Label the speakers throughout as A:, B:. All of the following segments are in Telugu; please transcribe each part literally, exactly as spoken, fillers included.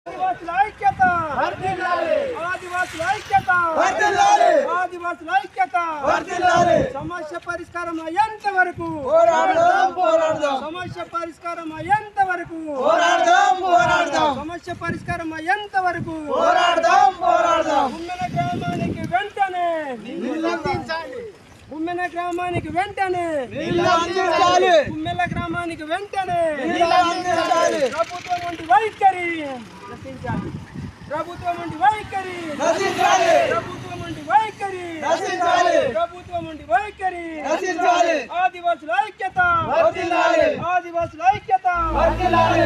A: ఆదివాసుల ఐక్యత
B: వర్ధిల్లాలి
A: ఆదివాసుల ఐక్యత
B: వర్ధిల్లాలి
A: ఆదివాసుల ఐక్యత
B: వర్ధిల్లాలి
A: సమస్య పరిష్కారం అయ్యేంత వరకు
B: పోరాడదాం పోరాడదాం
A: సమస్య పరిష్కారం అయ్యేంత వరకు
B: పోరాడదాం పోరాడదాం
A: సమస్య పరిష్కారం అయ్యేంత వరకు
B: పోరాడదాం పోరాడదాం
A: గుమ్మెన గ్రామానికి వెంటనే
B: నీళ్లు అందించాలి
A: గుమ్మెన గ్రామానికి వెంటనే
B: నీళ్లు అందించాలి
A: గుమ్మెల గ్రామానికి వెంటనే
B: నీళ్లు అందించాలి
A: ప్రభుత్వం వంటి వైఖరి నశించాలి ప్రభుత్వం వంటి వైఖరి
B: నశించాలి
A: ప్రభుత్వం వంటి వైఖరి
B: నశించాలి
A: ప్రభుత్వం వంటి వైఖరి
B: నశించాలి
A: ఆదివాసుల ఐక్యత
B: వర్ధిల్లాలి
A: ఆదివాసుల ఐక్యత
B: వర్ధిల్లాలి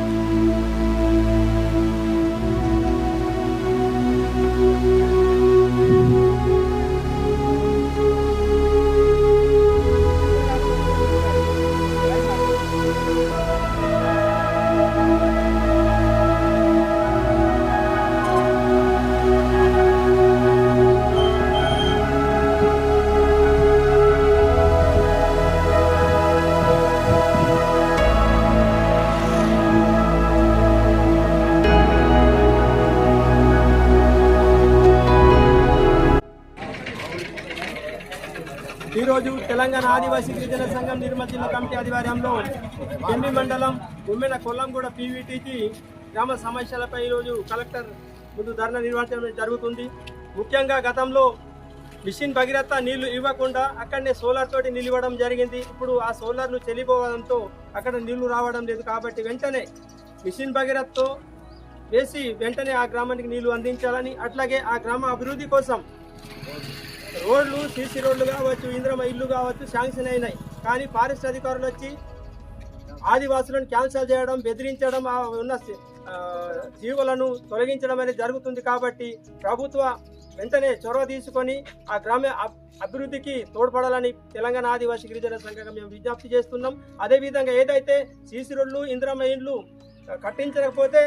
A: ఈరోజు తెలంగాణ ఆదివాసీ గిరిజన సంఘం నిర్మల్ జిల్లా కమిటీ ఆధ్వర్యంలో ఢిల్లీ మండలం ఉమ్మెన కొల్లంగూడ పీవీటీకి గ్రామ సమస్యలపై ఈరోజు కలెక్టర్ ముందు ధర్నా నిర్వహించడం జరుగుతుంది. ముఖ్యంగా గతంలో మిషన్ భగీరథ నీళ్లు ఇవ్వకుండా అక్కడనే సోలార్ తోటి నీళ్ళు ఇవ్వడం జరిగింది. ఇప్పుడు ఆ సోలార్లు చెల్లిపోవడంతో అక్కడ నీళ్లు రావడం లేదు. కాబట్టి వెంటనే మిషన్ భగీరథతో వేసి వెంటనే ఆ గ్రామానికి నీళ్లు అందించాలని, అట్లాగే ఆ గ్రామ అభివృద్ధి కోసం రోడ్లు సీసీ రోడ్లు కావచ్చు, ఇంద్రమ ఇల్లు కావచ్చు శాంక్షన్ అయినాయి. కానీ ఫారెస్ట్ అధికారులు వచ్చి ఆదివాసులను క్యాన్సల్ చేయడం, బెదిరించడం, ఆ ఉన్న జీవులను తొలగించడం అనేది జరుగుతుంది. కాబట్టి ప్రభుత్వ వెంటనే చొరవ తీసుకొని ఆ గ్రామ అభివృద్ధికి తోడ్పడాలని తెలంగాణ ఆదివాసీ గిరిజన సంఘంగా మేము విజ్ఞప్తి చేస్తున్నాం. అదేవిధంగా ఏదైతే సీసీ రోడ్లు ఇంద్రమ ఇల్లు కట్టించకపోతే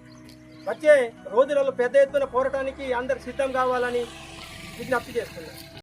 A: వచ్చే రోజులలో పెద్ద ఎత్తున పోరాటానికి అందరు సిద్ధం కావాలని విజ్ఞప్తి చేస్తున్నాం.